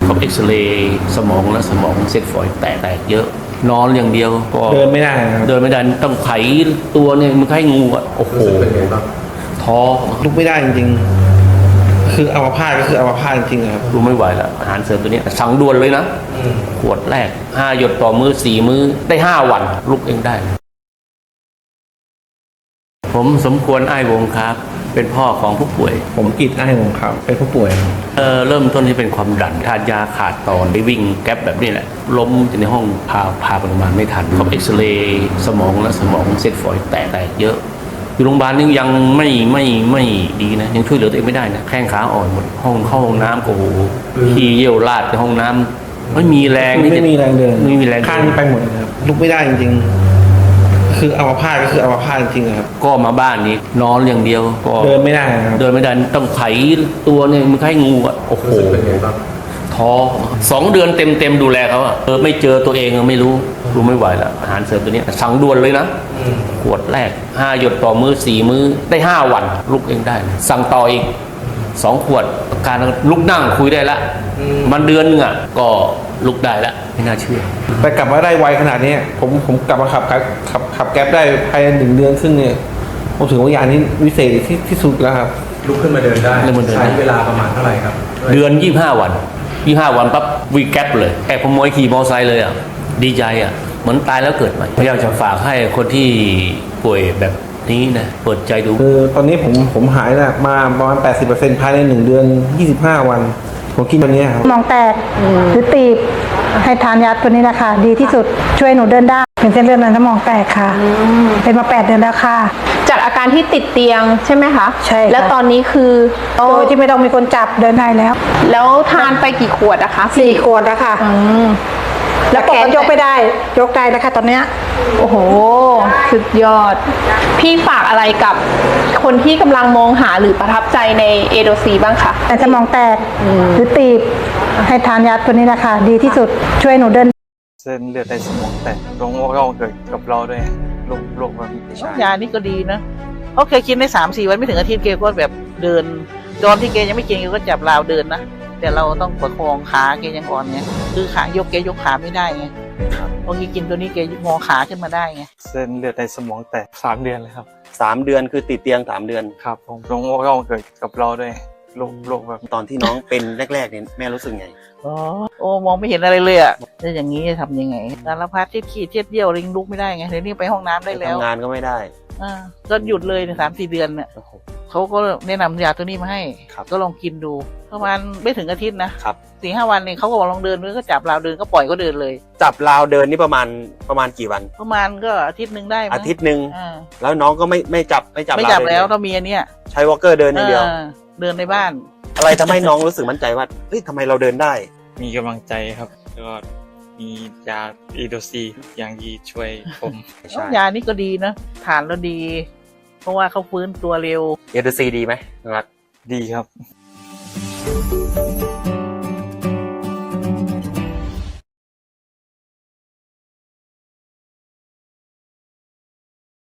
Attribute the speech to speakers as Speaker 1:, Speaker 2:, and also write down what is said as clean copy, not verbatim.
Speaker 1: เขาเอ็กซเรย์สมองและสมองเส้นฝอยแตกเยอะนอนอย่างเดียวก็
Speaker 2: เดินไม่ได้ครับ
Speaker 1: เดินไม่ได้ต้องไขตัวเนี่ยมันไข้งูอ่ะโอ้โหท้อ
Speaker 2: ลุกไม่ได้จริงๆคืออัมพาตก็คืออัมพาตจริงๆครับ
Speaker 1: ดูไม่ไหวแล้วอาหารเสริมตัวนี้สั่งด่วนเลยนะขวดแรก5 หยดต่อมื้อ4 มื้อได้5 วันลุกเองได้ผมสมควรอ้ายวงครับเป็นพ่อของผู้ป่วย
Speaker 2: ผมกิจอ้ายวงครับเป็นผู้ป่วย
Speaker 1: เริ่มต้นที่เป็นความดันทานยาขาดตอนได้วิ่งแก๊ปแบบนี้แหละล้มในห้องพาไปโรงพยาบาลไม่ทันเขาเอ็กซเรย์สมองและสมองเส้นฝอยแตกเยอะอยู่โรงพยาบาลนี่ยังไม่ดีนะยังช่วยเหลือตัวเองไม่ได้นะแข้งขาอ่อนหมดเข้าห้องน้ำก็โหขี้เยี่ยวราดในห้องน้ำไม่มีแรง
Speaker 2: ไม่มีแรงเดิน
Speaker 1: ไม่มีแรง
Speaker 2: ข้างไปหมดเลยครับลุกไม่ได้จริงๆคืออัมพาตก็คืออัมพาตจริงๆครับ
Speaker 1: ก็มาบ้านนี้นอนอย่างเดียวก็
Speaker 2: เดินไม่ได้ครับ
Speaker 1: เดินไม่ได้ต้องไขตัวเนี่ยมันไข้งูอ่ะโอ้โหท้อ2 เดือนเต็มดูแลเขาอ่ะไม่เจอตัวเองไม่รู้ไม่ไหวแล้วอาหารเสริมตัวนี้สั่งด่วนเลยนะขวดแรก5 หยดต่อมื้อ4 มื้อได้5 วันลุกเองได้สั่งต่ออีก2 ขวดการลุกนั่งคุยได้ละมันเดือนนึงอ่ะก็ลุกได้ละไม่น่าเชื่อ
Speaker 2: แต่กลับมาได้ไวขนาดนี้ผมกลับมาขับแก๊ปได้ภายใน1 เดือนครึ่งเนี่ยผมถือว่ายานี้วิเศษที่สุดแล้วครับ
Speaker 3: ลุกขึ้นมาเดินได้ใช้เวลาประมาณเท่าไหร่ครับ
Speaker 1: เดือน25 วันปั๊บวีแก๊ปเลยแอบขโมยขี่มอเตอร์ไซค์เลยอ่ะดีใจอ่ะเหมือนตายแล้วเกิดใหม่อยากจะฝากให้คนที่ป่วยแบบนี้นะเปิดใจดู
Speaker 2: คือตอนนี้ผมหายนะมาประมาณ 80% ภายใน1 เดือน25 วันผมกินวันนี้ครับ
Speaker 4: มองแตกหรือตีบให้ทานยาตัวนี้นะคะดีที่สุดช่วยหนูเดินได้เป็นเส้นเลือดในสมองแตกค่ะเป็นมา8 เดือนแล้วค่ะ
Speaker 5: จากอาการที่ติดเตียงใช่ไหมคะ
Speaker 4: ใช่
Speaker 5: แล้วตอนนี้คือ
Speaker 4: โดยที่ไม่ต้องมีคนจับเดินได้แล้ว
Speaker 5: ทานไปกี่ขวดอะคะ
Speaker 4: 4 ขวดแล้วค่ะแล้วแขนยกไม่ได้ยกได้แล้วค่ะตอนเนี้ย
Speaker 5: โอ้โหสุดยอดพี่ฝากอะไรกับคนที่กำลังมองหาหรือประทับใจในเอโดซีบ้างคะ
Speaker 4: แต่สมองแตกหรือตีบให้ทานยาตัวนี้นะคะดีที่สุดช่วยหนูเดิน
Speaker 6: เส้นเลือดในสมองแตกโรคเกิดกับเราด้วยโรคแบบนี้
Speaker 7: ยานี่ก็ดีนะเขาเคยกินได้3-4 วันไม่ถึงอาทิตย์เกก็แบบเดินตอนที่เกยังไม่กินเกก็จับราวเดินนะแต่เราต้องประคองขาเกยังอ่อนไงคือขายกเกยกขาไม่ได้ไงพอกินตัวนี้เกงอขาขึ้นมาได้ไง
Speaker 6: เส้นเลือดในสมองแตก3 เดือนเลยครับ
Speaker 8: 3 เดือนคือติดเตียง3 เดือน
Speaker 6: ครับผมโรคเกิดกับเราด้วยโรคแบบ
Speaker 8: ตอนที่น้องเป็นแรกๆเนี่ยแม่รู้สึกไง
Speaker 7: โอ้มองไม่เห็นอะไรเลยอ่ะแล้วอย่างนี้ทำยังไงสารพัดที่ขี้เทียดเยี่ยวลิงลุกไม่ได้ไงเดี๋ยวนี้ไปห้องน้ำได้แล้ว
Speaker 8: ทำงานก็ไม่ได้
Speaker 7: ก็หยุดเลย3-4 เดือนเนี่ยเขาก็แนะนำยาตัวนี้มาให้ก็ลองกินดูประมาณไม่ถึงอาทิตย์นะ4-5 วันเนี่ยเขาก็บอกลองเดินก็จับราวเดินก็ปล่อยก็เดินเลย
Speaker 8: จับราวเดินนี่ประมาณกี่วัน
Speaker 7: ประมาณก็อาทิตย์นึงได้
Speaker 8: อาทิตย์นึงแล้วน้องก็ไม่จับ
Speaker 7: แล้วต้องมีอันเนี้ย
Speaker 8: ใช้วอล์กเกอร์เดินอย่างเดียว
Speaker 7: เดินในบ้าน
Speaker 8: อะไรทำให้น้องรู้สึกมั่นใจว่าเฮ้ยทำไมเราเดินได้
Speaker 6: มีกำลังใจครับแล้วก็มียาอีโดซีอย่างดีช่วยผม
Speaker 7: ยานี่ก็ดีนะทานแล้วดีเพราะว่าเขาฟื้นตัวเร็ว
Speaker 8: อีโดซีดีไหมครับ
Speaker 6: ดีครับ